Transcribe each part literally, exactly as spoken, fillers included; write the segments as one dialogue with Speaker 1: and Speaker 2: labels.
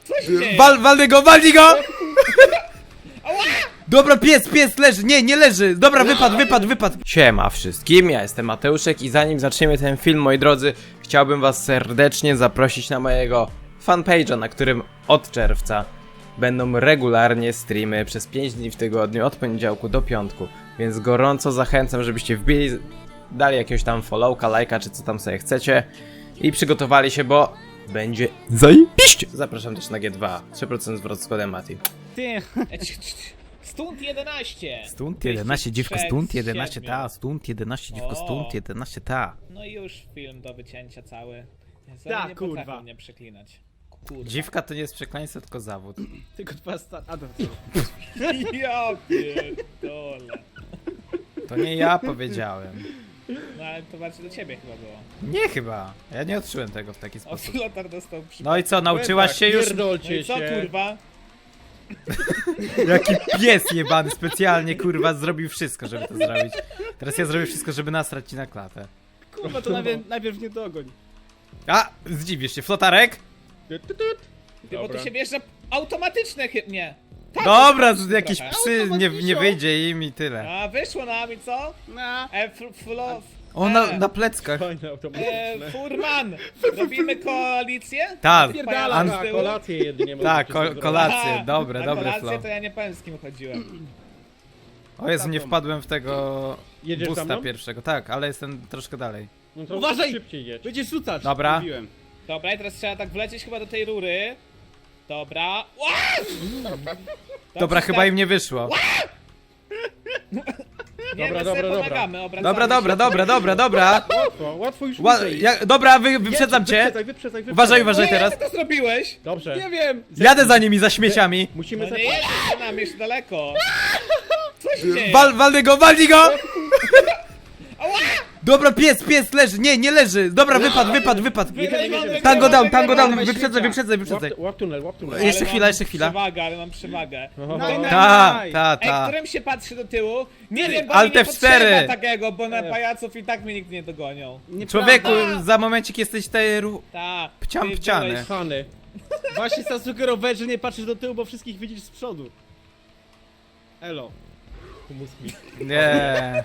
Speaker 1: Co się dzieje?
Speaker 2: Wal, walnę go, walnij go! Dobra, pies, pies leży, nie, nie leży. Dobra, wypadł, wypadł, wypadł. Siema wszystkim, ja jestem Mateuszek i zanim zaczniemy ten film, moi drodzy, chciałbym was serdecznie zaprosić na mojego fanpage'a, na którym od czerwca będą regularnie streamy przez pięć dni w tygodniu, od poniedziałku do piątku. Więc gorąco zachęcam, żebyście wbili, dali jakiegoś tam followka, lajka, czy co tam sobie chcecie i przygotowali się, bo będzie zajebiście. Zapraszam też na G dwa, trzy procent zwrot z kodem Mati.
Speaker 3: Ty,
Speaker 1: Stunt jedenaście!
Speaker 2: Stunt jedenaście, dziwko, stunt jedenaście,
Speaker 1: siedmiu.
Speaker 2: ta, stunt jedenaście, dziwko,
Speaker 1: O.
Speaker 2: stunt jedenaście, ta.
Speaker 1: No i już film do wycięcia cały. Jezu,
Speaker 3: Da,
Speaker 1: oni nie
Speaker 3: kurwa.
Speaker 1: potrafią mnie przeklinać. Kurwa.
Speaker 2: Dziwka to nie jest przekleństwo, tylko zawód.
Speaker 3: tylko twoja sta... A to
Speaker 1: Ja pierdolę.
Speaker 2: To nie ja powiedziałem.
Speaker 1: No ale to bardziej do ciebie chyba było.
Speaker 2: Nie chyba, ja nie odczułem tego w taki
Speaker 1: O,
Speaker 2: sposób.
Speaker 1: Flotar dostał przy...
Speaker 2: No i co, nauczyłaś się już?
Speaker 1: No
Speaker 3: Pierdolcie
Speaker 1: i co
Speaker 3: się.
Speaker 1: kurwa?
Speaker 2: Jaki pies jebany specjalnie, kurwa, zrobił wszystko, żeby to zrobić. Teraz ja zrobię wszystko, żeby nasrać ci na klatę.
Speaker 3: Kurwa, to najpierw, najpierw nie dogoń.
Speaker 2: A, zdziwisz się, flotarek?
Speaker 3: Tut, tut, tut.
Speaker 1: Ty, bo
Speaker 3: Dobra.
Speaker 1: to się bierze automatyczne chyba. Nie. Tak,
Speaker 2: Dobra,
Speaker 1: to-
Speaker 2: jakieś
Speaker 1: trochę.
Speaker 2: psy, nie, nie wyjdzie im i tyle.
Speaker 1: A wyszło nam i co?
Speaker 3: Na.
Speaker 1: E, fl, flo,
Speaker 2: O, na, na pleckach.
Speaker 3: Fajne
Speaker 1: e,
Speaker 3: automatyczne.
Speaker 1: Furman! Robimy koalicję?
Speaker 2: Tak,
Speaker 3: Pierdala,
Speaker 2: An-
Speaker 3: na kolację jedynie
Speaker 2: tak,
Speaker 3: możecie
Speaker 2: ko
Speaker 3: sobie zrobić.
Speaker 2: kolację,
Speaker 1: Aha,
Speaker 2: dobre,
Speaker 1: na
Speaker 2: dobre
Speaker 1: kolację
Speaker 2: flow.
Speaker 1: to ja nie powiem z kim chodziłem.
Speaker 2: O Jezu, nie wpadłem w tego
Speaker 3: Jedziesz za
Speaker 2: busta
Speaker 3: mną?
Speaker 2: pierwszego, tak, ale jestem troszkę dalej.
Speaker 3: No to
Speaker 4: Uważaj!
Speaker 3: szybciej jedź.
Speaker 4: Będziesz rzucać!
Speaker 2: Dobra.
Speaker 4: Mówiłem.
Speaker 1: Dobra, i teraz trzeba tak wlecieć chyba do tej rury. Dobra. Ła!
Speaker 2: Dobra, chyba im nie wyszło.
Speaker 1: Nie,
Speaker 3: Dobra,
Speaker 1: my
Speaker 3: dobra,
Speaker 1: sobie
Speaker 3: dobra.
Speaker 1: pomagamy, obracamy
Speaker 2: Dobra, dobra,
Speaker 1: się.
Speaker 2: dobra, dobra, dobra.
Speaker 3: Łatwo, łatwo już
Speaker 2: Ła
Speaker 3: wyżej.
Speaker 2: ja, dobra, wy, wyprzedzam cię.
Speaker 3: Wyprzedzaj, wyprzedzaj, wyprzedzaj.
Speaker 2: Uważaj, uważaj
Speaker 1: Nie,
Speaker 2: teraz.
Speaker 1: jak ty to zrobiłeś?
Speaker 3: Dobrze.
Speaker 4: Nie wiem!
Speaker 2: Jadę za nimi, za śmieciami.
Speaker 3: Musimy
Speaker 1: No nie
Speaker 3: zacząć.
Speaker 1: jedziesz za nami, jeszcze daleko. Co się dzieje?
Speaker 2: Wal, walnę go, walnij go! Dobra, pies, pies leży, nie, nie leży. Dobra, wypadł, wypadł, wypadł.
Speaker 1: Wygrywamy,
Speaker 2: Tango down,
Speaker 1: wygrywamy,
Speaker 2: tango down,
Speaker 1: wygrywamy.
Speaker 2: wyprzedzaj, wyprzedzaj, wyprzedzaj.
Speaker 3: Łap, łap tunel, łap tunel.
Speaker 1: Ale
Speaker 2: Jeszcze
Speaker 1: mam
Speaker 2: chwila, jeszcze chwila.
Speaker 1: Przewagę, ale mam przewagę.
Speaker 3: Oho.
Speaker 4: Naj, naj,
Speaker 2: Ta,
Speaker 4: naj.
Speaker 2: ta,
Speaker 1: Ej,
Speaker 2: ta.
Speaker 1: którym się patrzy do tyłu? Nie wiem, bo
Speaker 2: Alt
Speaker 1: mi nie
Speaker 2: F cztery.
Speaker 1: potrzeba takiego, bo na pajaców i tak mnie nikt nie dogonią.
Speaker 2: Człowieku,
Speaker 1: Nieprawda.
Speaker 2: za momencik jesteś tej ru...
Speaker 1: Ta.
Speaker 2: Pciam
Speaker 1: ty
Speaker 2: pciany.
Speaker 1: byłeś-
Speaker 3: Hany.
Speaker 4: Właśnie zasugerowałeś, że nie patrzysz do tyłu, bo wszystkich widzisz z przodu. Elo.
Speaker 3: Humus mi.
Speaker 2: Nie.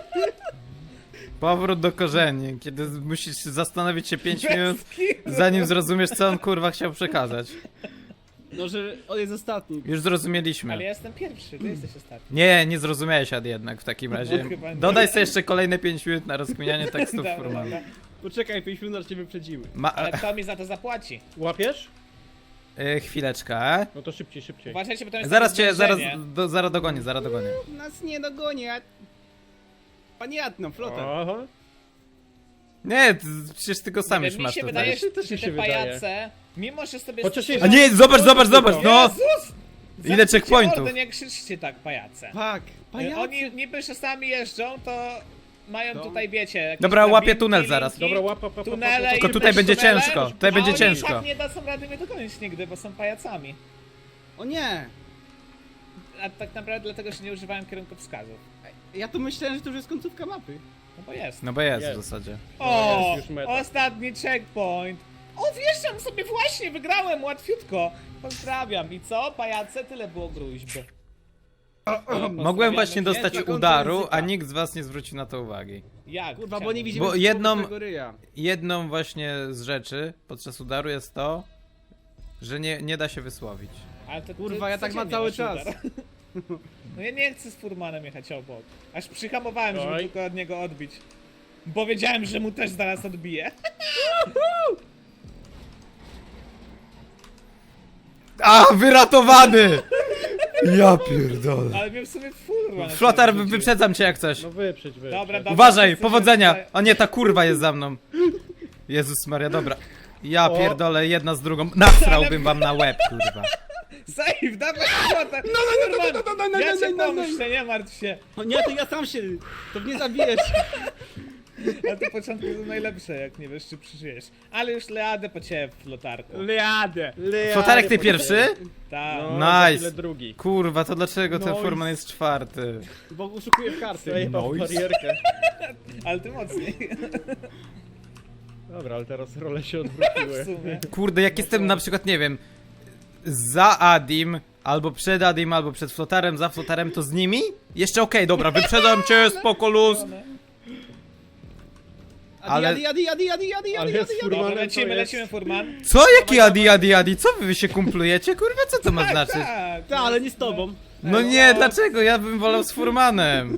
Speaker 2: Powrót do korzeni, kiedy musisz zastanowić się pięć minut, zanim zrozumiesz, co on kurwa chciał przekazać.
Speaker 4: No, że on jest ostatni.
Speaker 2: Już
Speaker 1: Ale ja
Speaker 2: zrozumieliśmy.
Speaker 1: jestem pierwszy, ty jesteś ostatni.
Speaker 2: Nie, nie zrozumiałeś Ad jednak w takim razie.
Speaker 1: No, chyba nie.
Speaker 2: Dodaj sobie jeszcze kolejne pięć minut na rozkminianie tekstów
Speaker 1: Dobra,
Speaker 2: Furmana.
Speaker 1: dobra.
Speaker 4: Poczekaj, pięć minut, aż cię wyprzedzimy.
Speaker 2: Ma...
Speaker 1: Ale kto mi za to zapłaci?
Speaker 3: Łapiesz?
Speaker 2: Y, chwileczkę.
Speaker 3: No to szybciej, szybciej.
Speaker 1: Uważajcie, bo to jest
Speaker 2: Zaraz
Speaker 1: takie
Speaker 2: cię, zaraz,
Speaker 1: zwężenie.
Speaker 2: do, zaraz dogonię, zaraz dogonię.
Speaker 4: Nas nie dogoni, a... Panie Adno, flota.
Speaker 3: Aha.
Speaker 2: Nie, ty, przecież ty go sam
Speaker 1: Nie
Speaker 2: już
Speaker 1: wiem, mi
Speaker 2: masz
Speaker 1: się
Speaker 2: tutaj.
Speaker 1: wydaje, że
Speaker 3: Też mi
Speaker 1: te
Speaker 3: się wydaje.
Speaker 1: pajace, mimo że sobie...
Speaker 3: Chociaż
Speaker 1: stworzyły-
Speaker 2: A nie, zobacz, zobacz, zobacz, no!
Speaker 1: Jezus!
Speaker 2: Ile
Speaker 1: Zamknijcie
Speaker 2: checkpointów?
Speaker 1: mordę, nie krzyczcie tak, pajace.
Speaker 4: Tak, pajac.
Speaker 1: Oni niby czasami jeżdżą, to mają
Speaker 4: No.
Speaker 1: tutaj, wiecie... jakieś
Speaker 2: Dobra,
Speaker 1: drabinki,
Speaker 2: łapię tunel zaraz.
Speaker 3: Dobra, łap, łap, łap, łap,
Speaker 1: Tunele
Speaker 3: łap,
Speaker 1: i
Speaker 2: Tylko tutaj
Speaker 1: bez
Speaker 2: będzie
Speaker 1: tunelem,
Speaker 2: ciężko, tutaj
Speaker 1: a
Speaker 2: będzie
Speaker 1: oni
Speaker 2: ciężko.
Speaker 1: tak nie dadzą rady mnie dogonić nigdy, bo są pajacami.
Speaker 4: O nie!
Speaker 1: A tak naprawdę dlatego, że nie używałem kierunkowskazów.
Speaker 4: Ja to myślałem, że to już jest końcówka mapy.
Speaker 1: No bo jest.
Speaker 2: No bo jest w
Speaker 3: Jest.
Speaker 2: zasadzie.
Speaker 1: O,
Speaker 3: jest już meta.
Speaker 1: ostatni checkpoint. O, wjeżdżam sobie właśnie, wygrałem łatwiutko. Pozdrawiam. I co? Pajace? Tyle było gruźb.
Speaker 2: Mogłem właśnie
Speaker 4: jest
Speaker 2: dostać
Speaker 4: na końcu
Speaker 2: udaru,
Speaker 4: języka.
Speaker 2: a nikt z was nie zwrócił na to uwagi.
Speaker 1: Jak?
Speaker 4: Kurwa, bo
Speaker 1: Chciałem-
Speaker 4: nie widzimy
Speaker 2: Bo jedną-
Speaker 4: tego ryja.
Speaker 2: Jedną właśnie z rzeczy podczas udaru jest to, że nie, nie da się wysłowić.
Speaker 1: Ale to,
Speaker 4: Kurwa,
Speaker 1: ty
Speaker 4: ja tak mam
Speaker 1: codziennie
Speaker 4: cały
Speaker 1: masz
Speaker 4: czas.
Speaker 1: udar. No ja nie chcę z Furmanem jechać obok. Aż przyhamowałem, żeby
Speaker 3: Oj.
Speaker 1: tylko od niego odbić. Bo wiedziałem, że mu też zaraz odbije.
Speaker 2: A, wyratowany! Ja pierdolę.
Speaker 1: Ale mnie w sumie Furman.
Speaker 2: Flotar,
Speaker 1: wrzucił.
Speaker 2: wyprzedzam cię jak coś.
Speaker 3: No wyprzedź, wyprzedź.
Speaker 1: Dobra, dobra.
Speaker 2: Uważaj,
Speaker 1: wszyscy
Speaker 2: powodzenia!
Speaker 1: się-
Speaker 2: O nie, ta kurwa jest za mną. Jezus Maria, dobra. Ja
Speaker 3: O.
Speaker 2: pierdolę, jedna z drugą. Nasrałbym wam na łeb, kurwa.
Speaker 1: Save, dawaj Flotar! No, no, no, no, no, no, Ja cię
Speaker 4: no, no, no.
Speaker 1: pomyślę, nie martw się.
Speaker 4: O nie, to ja sam się... To mnie zabijesz.
Speaker 1: A te początki są najlepsze, jak nie wiesz, czy przeżyjesz. Ale już leadę po ciebie w lotarku.
Speaker 4: Leadę.
Speaker 2: Flotarek, ty pierwszy?
Speaker 1: Tak.
Speaker 3: No,
Speaker 2: Nice.
Speaker 3: za chwilę drugi.
Speaker 2: Kurwa, to dlaczego ten
Speaker 3: Nice.
Speaker 2: Furman jest czwarty?
Speaker 4: Bo uszukuję w karty.
Speaker 3: Zajebał w barierkę.
Speaker 1: Ale ty mocniej.
Speaker 3: Dobra, ale teraz role się
Speaker 1: W
Speaker 3: odwróciły.
Speaker 1: sumie.
Speaker 2: Kurde, jak jestem na przykład, nie wiem, za Adim, albo przed Adim, albo przed Flotarem, za Flotarem, to z nimi? Jeszcze okej, dobra, wyprzedzam cię, spoko luz. Ale-
Speaker 4: Adi, adi, adi, adi, adi,
Speaker 3: Ale
Speaker 4: adi,
Speaker 3: jest
Speaker 4: adi, adi.
Speaker 3: furman.
Speaker 1: Dobra,
Speaker 3: Furmanem
Speaker 1: lecimy,
Speaker 3: to jest-
Speaker 1: lecimy, furman.
Speaker 2: Co? Jaki Adi, Adi, Adi? Co wy się kumplujecie? Kurwa, co to ma znaczyć?
Speaker 1: Tak,
Speaker 4: Ta, ale nie z tobą.
Speaker 2: No nie, dlaczego? Ja bym wolał z Furmanem.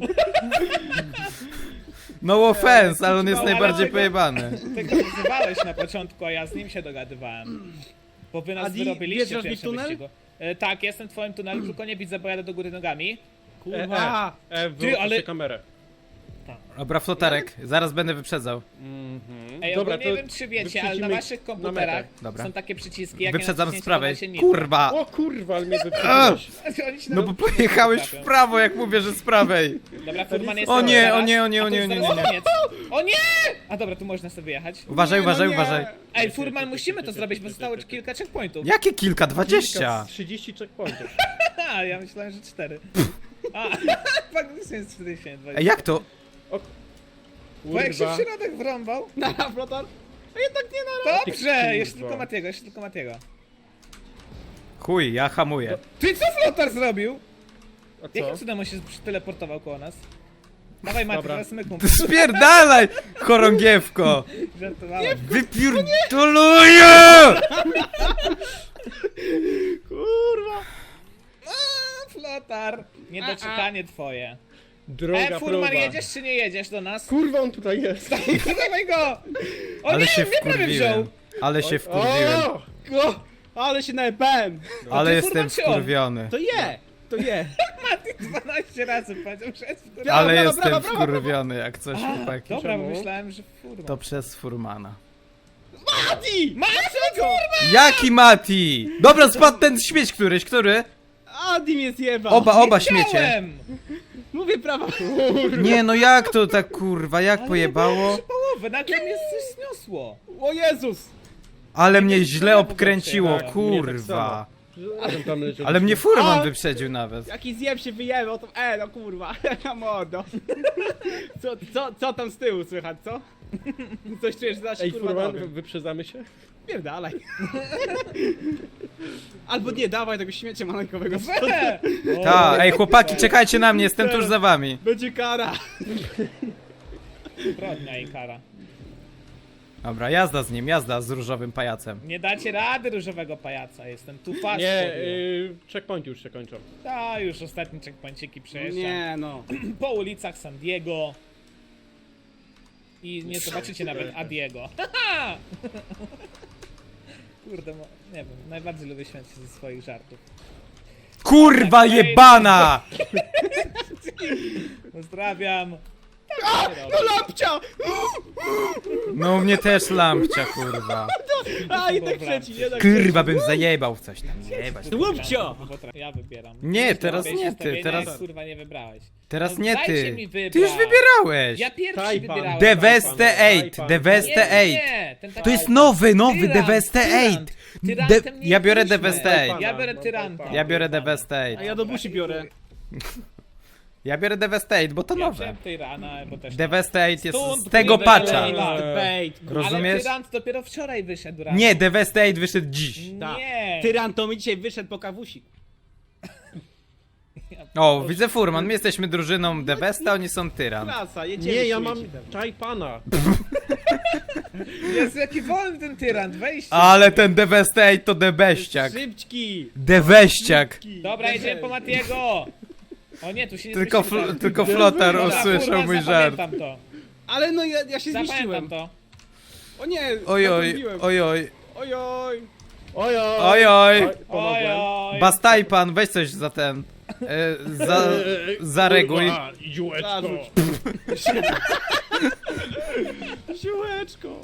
Speaker 2: No offense, ale on jest
Speaker 1: No, ale
Speaker 2: najbardziej
Speaker 1: tego-
Speaker 2: pojebany.
Speaker 1: Ty go wyzywałeś na początku, a ja z nim się dogadywałem. Bo wy nas
Speaker 4: Adi,
Speaker 1: wyrobiliście
Speaker 4: wjeżdżasz
Speaker 1: w
Speaker 4: mi w
Speaker 1: pierwszym
Speaker 4: tunel?
Speaker 1: wyścigu. E, tak, jestem w twoim tunelu, tylko nie widzę, bo jadę do góry nogami.
Speaker 4: Kurwa.
Speaker 3: E, e,
Speaker 1: Ty,
Speaker 3: wyłączcie
Speaker 1: ale-
Speaker 3: kamerę.
Speaker 2: Dobra, Flotarek, zaraz będę wyprzedzał.
Speaker 3: Mhm.
Speaker 1: Ej,
Speaker 3: Dobra,
Speaker 1: ogólnie nie
Speaker 3: to
Speaker 1: wiem czy wiecie, ale na
Speaker 3: wyprzedzimy
Speaker 1: waszych
Speaker 3: na
Speaker 1: komputerach
Speaker 3: metę.
Speaker 2: Dobra.
Speaker 1: są takie przyciski, jak
Speaker 2: Wyprzedzam
Speaker 1: ja
Speaker 2: z prawej.
Speaker 1: Się
Speaker 2: Kurwa!
Speaker 3: O kurwa, ale mnie wyprzedziłeś.
Speaker 1: Oni się
Speaker 2: No bo
Speaker 1: nawet-
Speaker 2: pojechałeś w prawo, jak mówię, że z prawej.
Speaker 1: Dobra, furman jest
Speaker 2: O nie,
Speaker 1: zaraz,
Speaker 2: o nie, o nie,
Speaker 1: a
Speaker 2: o
Speaker 1: to
Speaker 2: nie,
Speaker 1: już
Speaker 2: o nie,
Speaker 1: zaraz
Speaker 2: nie, nie.
Speaker 1: koniec. O nie! A dobra, tu można sobie jechać.
Speaker 2: Uważaj,
Speaker 4: Nie, no
Speaker 2: uważaj,
Speaker 4: nie.
Speaker 2: uważaj.
Speaker 1: Ej, furman, musimy to zrobić, bo zostało kilka checkpointów.
Speaker 2: Jakie kilka? Dwadzieścia!
Speaker 3: trzydzieści checkpointów.
Speaker 1: A, ja myślałem, że cztery. A, faktycznie jest czterdzieści dwa.
Speaker 2: Ej, jak to?
Speaker 1: Bo jak się w
Speaker 3: Kurwa.
Speaker 1: środek wrąbał.
Speaker 4: Na flotar. A jednak nie na
Speaker 1: Dobrze,
Speaker 3: Kurwa.
Speaker 1: jeszcze tylko Matiego, jeszcze tylko Matiego.
Speaker 2: Chuj, ja hamuję.
Speaker 1: Ty co flotar zrobił?
Speaker 3: A
Speaker 1: Jakim
Speaker 3: co?
Speaker 1: cudem on się teleportował koło nas? Dawaj Mati,
Speaker 3: Dobra.
Speaker 1: teraz my kumpel.
Speaker 2: Spierdalaj, chorągiewko!
Speaker 1: Żartowałem.
Speaker 2: Wypierdoluję!
Speaker 4: Kurwa.
Speaker 1: A, flotar. Niedoczekanie twoje.
Speaker 3: Droga
Speaker 1: E,
Speaker 3: próba.
Speaker 1: furman, jedziesz czy nie jedziesz do nas?
Speaker 3: Kurwa, on tutaj jest.
Speaker 1: Dawaj go! O
Speaker 2: Ale
Speaker 1: nie,
Speaker 2: się
Speaker 1: mnie prawie wziął!
Speaker 2: wkurwiłem. Ale się wkurwiłem.
Speaker 3: O!
Speaker 4: O, ale się najebałem.
Speaker 2: Ale
Speaker 1: ty,
Speaker 2: jestem
Speaker 1: furman, czy on?
Speaker 2: wkurwiony.
Speaker 4: To je, to je.
Speaker 1: Mati dwanaście razy powiedział przez furman.
Speaker 2: Ale
Speaker 4: brawo,
Speaker 2: jestem
Speaker 4: brawo, brawo,
Speaker 2: wkurwiony, jak coś,
Speaker 1: A,
Speaker 2: chłopaki.
Speaker 1: dobra, bo
Speaker 3: Czemu?
Speaker 1: myślałem, że furman.
Speaker 2: To przez Furmana.
Speaker 4: Adi!
Speaker 1: Dlaczego?
Speaker 2: Jaki Mati? Dobra, spadł ten śmieć któryś, który?
Speaker 4: Adi mnie zjebał.
Speaker 2: Oba, oba
Speaker 1: Wiedziałem!
Speaker 2: śmiecie.
Speaker 4: Mówię prawa.
Speaker 2: Nie no, jak to tak kurwa, jak
Speaker 1: Ale
Speaker 2: pojebało?
Speaker 1: trzy połowy, nagle mnie coś zniosło.
Speaker 4: O Jezus.
Speaker 2: Ale mnie źle obkręciło,
Speaker 1: Tak,
Speaker 2: kurwa.
Speaker 3: Razem tam leciał.
Speaker 2: Ale mnie Furman
Speaker 4: A!
Speaker 2: wyprzedził nawet.
Speaker 4: Jaki zjeb się wyjebał, to e, no kurwa. Mordo. Co, co, co tam z tyłu słychać, co? Coś czujesz, że
Speaker 3: Ej,
Speaker 4: kurwa
Speaker 3: Furman,
Speaker 4: dobry.
Speaker 3: wyprzedzamy się?
Speaker 4: Pierdalaj. Albo nie, dawaj tego śmiecia maleńkowego.
Speaker 1: We! O,
Speaker 2: Ta, ej chłopaki, czekajcie na mnie, jestem tuż za wami.
Speaker 4: Będzie kara.
Speaker 1: Zbrodnia i kara.
Speaker 2: Dobra, jazda z nim, jazda z różowym pajacem.
Speaker 1: Nie dacie rady różowego pajaca, jestem tu fast.
Speaker 3: Nie,
Speaker 1: for you.
Speaker 3: y, checkpointy już się kończą.
Speaker 1: Ta, już ostatni checkpoinciki przejeżdżam.
Speaker 4: Nie no.
Speaker 1: Po ulicach San Diego. I nie zobaczycie nawet Adiego. Haha! Kurde, mo- nie wiem, najbardziej lubię śmiać się ze swoich żartów.
Speaker 2: Kurwa jebana!
Speaker 1: Pozdrawiam.
Speaker 4: No lapcia!
Speaker 2: No mnie też lampcia, kurwa.
Speaker 4: A i tak trzeci, nie tak
Speaker 2: Kurwa bym zajebał w coś tam, jebać.
Speaker 4: Łupcio!
Speaker 1: Ja wybieram.
Speaker 2: Nie, teraz
Speaker 1: Zrobię
Speaker 2: nie
Speaker 1: się
Speaker 2: ty,
Speaker 1: stawienia,
Speaker 2: teraz-
Speaker 1: jak, kurwa nie wybrałeś.
Speaker 2: Teraz
Speaker 1: No
Speaker 2: nie
Speaker 1: dajcie
Speaker 2: ty.
Speaker 1: mi wybrać.
Speaker 2: Ty już wybierałeś.
Speaker 1: Ja pierwszy
Speaker 3: Tajpan.
Speaker 1: wybierałem.
Speaker 2: Devastate,
Speaker 3: Tajpan.
Speaker 2: Devastate.
Speaker 1: Nie, nie, ten taki-
Speaker 2: To jest nowy, nowy
Speaker 1: Tyrant,
Speaker 2: Devastate.
Speaker 1: tyrant.
Speaker 2: De
Speaker 1: Tyrantem nie
Speaker 2: ja biorę
Speaker 1: byliśmy.
Speaker 2: Devastate.
Speaker 1: Ja biorę tyranta.
Speaker 2: Ja biorę
Speaker 4: A
Speaker 2: Devastate.
Speaker 4: ja do busi biorę.
Speaker 2: Ja biorę Devastate, bo to
Speaker 1: Ja
Speaker 2: nowe.
Speaker 1: wziąłem tyrana, bo też...
Speaker 2: Devastate jest
Speaker 1: Stąd
Speaker 2: z tego
Speaker 1: wybieraj.
Speaker 2: patcha.
Speaker 4: Debate.
Speaker 1: Ale
Speaker 2: Rozumiesz?
Speaker 1: tyrant dopiero wczoraj wyszedł rano.
Speaker 2: Nie, Devastate wyszedł dziś.
Speaker 1: Nie.
Speaker 4: Tyran to mi dzisiaj wyszedł po kawusi.
Speaker 2: O, widzę Furman, my jesteśmy drużyną Devasta, oni są Tyran.
Speaker 4: Klasa, jedziemy.
Speaker 3: Nie, ja mam
Speaker 4: czujcie tam.
Speaker 3: Tajpana.
Speaker 1: Jest jaki wolny ten tyrant, wejście.
Speaker 2: Ale ten Devastate to debeściak.
Speaker 4: Szybczki.
Speaker 2: Deweściak.
Speaker 1: Dobra, jedziemy po Matiego. O nie, tu się nie
Speaker 2: Tylko,
Speaker 1: zmieścimy.
Speaker 2: fl tylko Flotar
Speaker 1: Dobra,
Speaker 2: usłyszał
Speaker 1: kurwa,
Speaker 2: mój żart.
Speaker 1: zapamiętam to.
Speaker 4: Ale no ja, ja się
Speaker 1: Zapamiętam
Speaker 4: zmieściłem.
Speaker 1: to.
Speaker 4: O nie,
Speaker 2: Oj, oj,
Speaker 4: zatrąbiłem.
Speaker 2: oj, oj,
Speaker 4: Oj, oj.
Speaker 3: Oj, oj.
Speaker 2: oj, oj.
Speaker 1: Oj,
Speaker 3: Pomogłem.
Speaker 1: oj.
Speaker 2: Bastajpan, weź coś za ten. E, za, zareguj.
Speaker 3: Kurwa, Ziółeczko.
Speaker 4: Zarzuć. Siłeczko.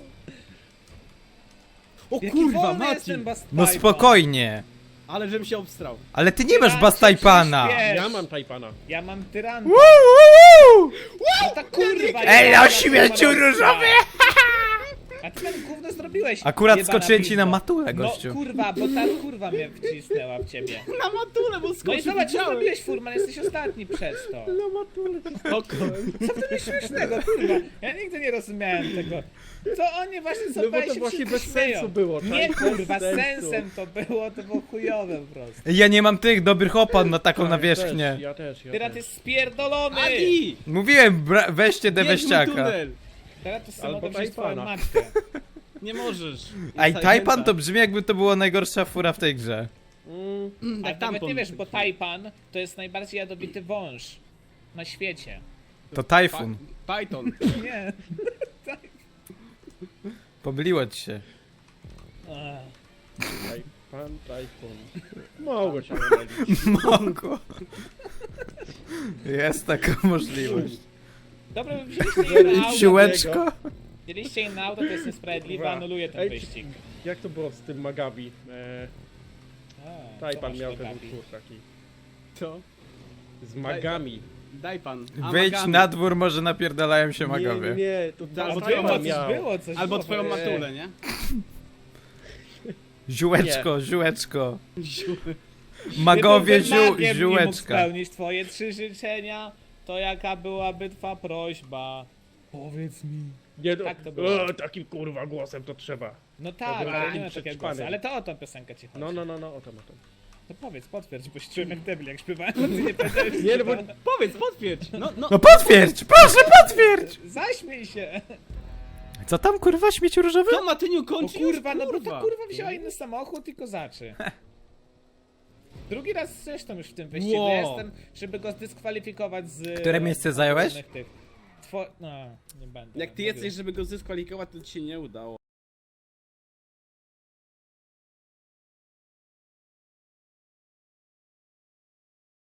Speaker 4: O
Speaker 1: Jaki
Speaker 4: kurwa,
Speaker 1: wolny
Speaker 4: Mati.
Speaker 1: jest ten Bast
Speaker 2: No
Speaker 1: Piper.
Speaker 2: spokojnie.
Speaker 4: Ale żebym się obstrał.
Speaker 2: Ale ty nie masz
Speaker 1: Tyran,
Speaker 2: Bastajpana.
Speaker 1: przyspiesz.
Speaker 3: Ja mam Tajpana.
Speaker 1: Ja mam tyranta.
Speaker 2: Woo, woo, woo.
Speaker 1: No ta kurwa.
Speaker 2: Ej,
Speaker 1: ja
Speaker 2: no
Speaker 1: mam
Speaker 2: śmieciu
Speaker 1: tyranta.
Speaker 2: różowy!
Speaker 1: A ty tam gówno zrobiłeś.
Speaker 2: Akurat
Speaker 1: jebana
Speaker 2: skoczyłem ci
Speaker 1: pizdo.
Speaker 2: na matulę,
Speaker 1: No
Speaker 2: gościu.
Speaker 1: kurwa, bo ta kurwa mnie wcisnęła w ciebie.
Speaker 4: Na matule, bo
Speaker 1: No i
Speaker 4: skoczył,
Speaker 1: zobacz, co
Speaker 4: widziałem.
Speaker 1: zrobiłeś, Furman, jesteś ostatni przez to.
Speaker 3: Na matulę ci skakałem.
Speaker 1: Co w tym jest śmiesznego, kurwa? Ja nigdy nie rozumiałem tego. To oni właśnie
Speaker 3: No
Speaker 1: sobie
Speaker 3: bo to
Speaker 1: się
Speaker 3: właśnie
Speaker 1: wszyscy
Speaker 3: bez
Speaker 1: śmieją.
Speaker 3: sensu było,
Speaker 1: Nie
Speaker 3: tak?
Speaker 1: kurwa,
Speaker 3: Bez sensu.
Speaker 1: sensem to było, to było chujowe po prostu.
Speaker 2: Ja nie mam tych dobrych opan na taką
Speaker 3: Ja
Speaker 2: nawierzchnię.
Speaker 3: też, Ja też, ja
Speaker 1: Teraz
Speaker 3: też.
Speaker 1: jest spierdolony!
Speaker 4: Adi!
Speaker 2: Mówiłem, bra- weźcie
Speaker 4: Jedźmy
Speaker 2: deweściaka.
Speaker 4: tunel.
Speaker 1: Teraz to
Speaker 3: Albo
Speaker 1: samo wziąć twoją
Speaker 3: Tajpana.
Speaker 1: matkę.
Speaker 4: Nie możesz.
Speaker 2: Ej,
Speaker 4: Jest
Speaker 2: Taipan
Speaker 4: zajęta.
Speaker 2: to brzmi jakby to była najgorsza fura w tej grze.
Speaker 3: Mm,
Speaker 1: A
Speaker 4: Jak
Speaker 1: nawet
Speaker 4: tampon.
Speaker 1: nie wiesz, bo Taipan to jest najbardziej jadowity wąż na świecie.
Speaker 2: To Tajfun.
Speaker 4: Pa- Python.
Speaker 1: Nie.
Speaker 2: Pomyliło ci się.
Speaker 1: Ech.
Speaker 3: taj, pan Tajfun. Mogło się pomylić.
Speaker 2: Mogło. Jest taka możliwość.
Speaker 1: Dobra, wy wzięliście jej na auto.
Speaker 2: Siłeczko?
Speaker 1: Wzięliście jej na auto, to jest niesprawiedliwe,
Speaker 3: Kurwa.
Speaker 1: anuluję ten
Speaker 3: Ej,
Speaker 1: wyścig.
Speaker 3: Jak to było z tym Magabi? E,
Speaker 1: A, co
Speaker 3: Tajpan
Speaker 1: masz
Speaker 3: miał
Speaker 1: do
Speaker 3: ten
Speaker 1: Gabi?
Speaker 3: utwór taki.
Speaker 4: Co?
Speaker 3: Z magami.
Speaker 4: Daj pan. A,
Speaker 2: Wyjdź
Speaker 4: magami.
Speaker 2: na dwór, może napierdalają się
Speaker 3: Nie,
Speaker 2: magowie.
Speaker 3: nie, nie, to
Speaker 4: Albo
Speaker 1: Albo
Speaker 3: Albo
Speaker 4: twoją
Speaker 1: było,
Speaker 3: Tajpan
Speaker 1: coś
Speaker 3: miał.
Speaker 1: było, coś
Speaker 4: Albo
Speaker 1: było.
Speaker 4: twoją
Speaker 3: Nie.
Speaker 4: matulę, nie?
Speaker 2: Ziółeczko, ziółeczko.
Speaker 4: Ziu-
Speaker 2: Magowie,
Speaker 1: Gdybym był
Speaker 2: ziół,
Speaker 1: magiem i mógł
Speaker 2: ziółeczka.
Speaker 1: spełnić twoje trzy życzenia, to jaka byłaby twa prośba? Powiedz mi.
Speaker 3: Nie, no,
Speaker 1: Tak to było.
Speaker 3: o, takim kurwa głosem to trzeba.
Speaker 1: No tak,
Speaker 3: Dobra,
Speaker 1: ale
Speaker 3: takim
Speaker 1: nie ma takiego
Speaker 3: przetrwanym.
Speaker 1: głosu. Ale to o tą piosenkę ci chodzi.
Speaker 3: No, no, no, no, o to, o to.
Speaker 1: To powiedz, potwierdź, bo się czułem jak debil, jak śpiewałem, bo ty nie powiedziałeś.
Speaker 3: Nie, no bo
Speaker 4: Powiedz, potwierdź. No, no.
Speaker 2: No potwierdź, proszę potwierdź!
Speaker 1: Zaśmiej się!
Speaker 2: Co tam kurwa, śmieci różowy?
Speaker 4: To Matyniu
Speaker 1: O
Speaker 4: kończy
Speaker 1: kurwa,
Speaker 4: już,
Speaker 1: no bo
Speaker 4: kurwa.
Speaker 1: to kurwa wzięła inny samochód i kozaczy. Drugi raz zresztą już w tym wyścigu
Speaker 4: Wow.
Speaker 1: jestem, żeby go zdyskwalifikować z...
Speaker 2: Które miejsce zająłeś?
Speaker 1: różnych Tych. Two... No, nie będę.
Speaker 4: Jak ty
Speaker 1: mówił.
Speaker 4: jesteś, żeby go zdyskwalifikować, to ci się nie udało.